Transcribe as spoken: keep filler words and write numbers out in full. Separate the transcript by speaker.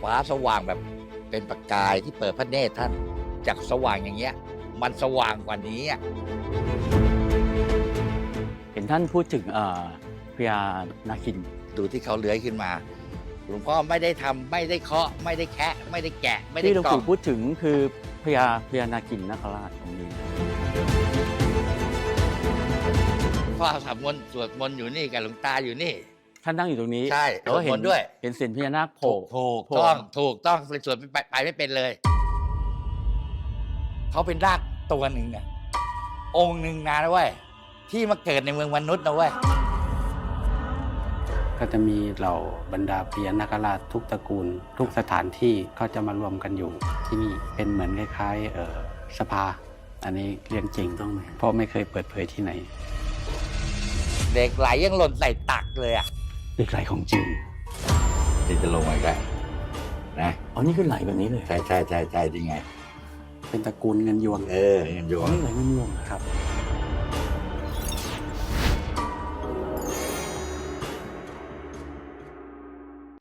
Speaker 1: ฟ้าสว่างแบบเป็นประกายที่เปิดพระเนตรท่านจากสว่างอย่างเงี้ยมันสว่างกว่านี้อ่ะ
Speaker 2: เห็นท่านพูดถึงเอ่อพญานาคิน
Speaker 1: ดูที่เขาเลื้อยขึ้นมาหลวงพ่อไม่ได้ทำไม่ได้เคาะไม่ได้แคะไม่ได้แกะไม่ได้
Speaker 2: ที่หลวง
Speaker 1: กล่อ
Speaker 2: ปู่
Speaker 1: ม
Speaker 2: พูดถึงคือพญาพญานาคินนาคราชตรงนี้
Speaker 1: พ่อสวดมนต์สวดมนต์อยู่นี่กับหลวงตาอยู่นี่
Speaker 2: ท่านนั่งอยู่ตรงนี้
Speaker 1: ใช่
Speaker 2: แล้วก็เห็
Speaker 1: สวดมนต์ด้วย
Speaker 2: เห็นเสียนพญานาคโผล่
Speaker 1: ถูก
Speaker 2: โผล่
Speaker 1: ต้องถูกต้องเลยสวดไปไปไม่เป็นเลย เขาเป็นรากตัวหนึ่งอะองค์หนึ่งนะเว้ยที่มาเกิดในเมืองมนุษย์นะเว้ย
Speaker 3: ก็จะมีเหล่าบรรดาพญานาคราชทุกตระกูล ทุกสถานที่เขาจะมารวมกันอยู่ที่นี่เป็นเหมือนคล้ายๆเอ่อสภา อันนี้เรื่องจริงต้องไหมเพราะไม่เคยเปิดเผยที่ไหน
Speaker 1: เด็กไหลยังหล่นใส่ตักเลยอะ
Speaker 3: เด็กไหลของจริง
Speaker 1: ที่จะลงมาอีกแล้วนะ
Speaker 2: อ๋อนี่คือไหลแบบนี้เลย
Speaker 1: ใช่ใช่ใช่ใช่จริงไง
Speaker 3: เป็นตระกูลเงินยวง
Speaker 1: เออเงินยว
Speaker 2: อ๋อง นี่ไหลเงินยวงเหรอ
Speaker 3: ครับ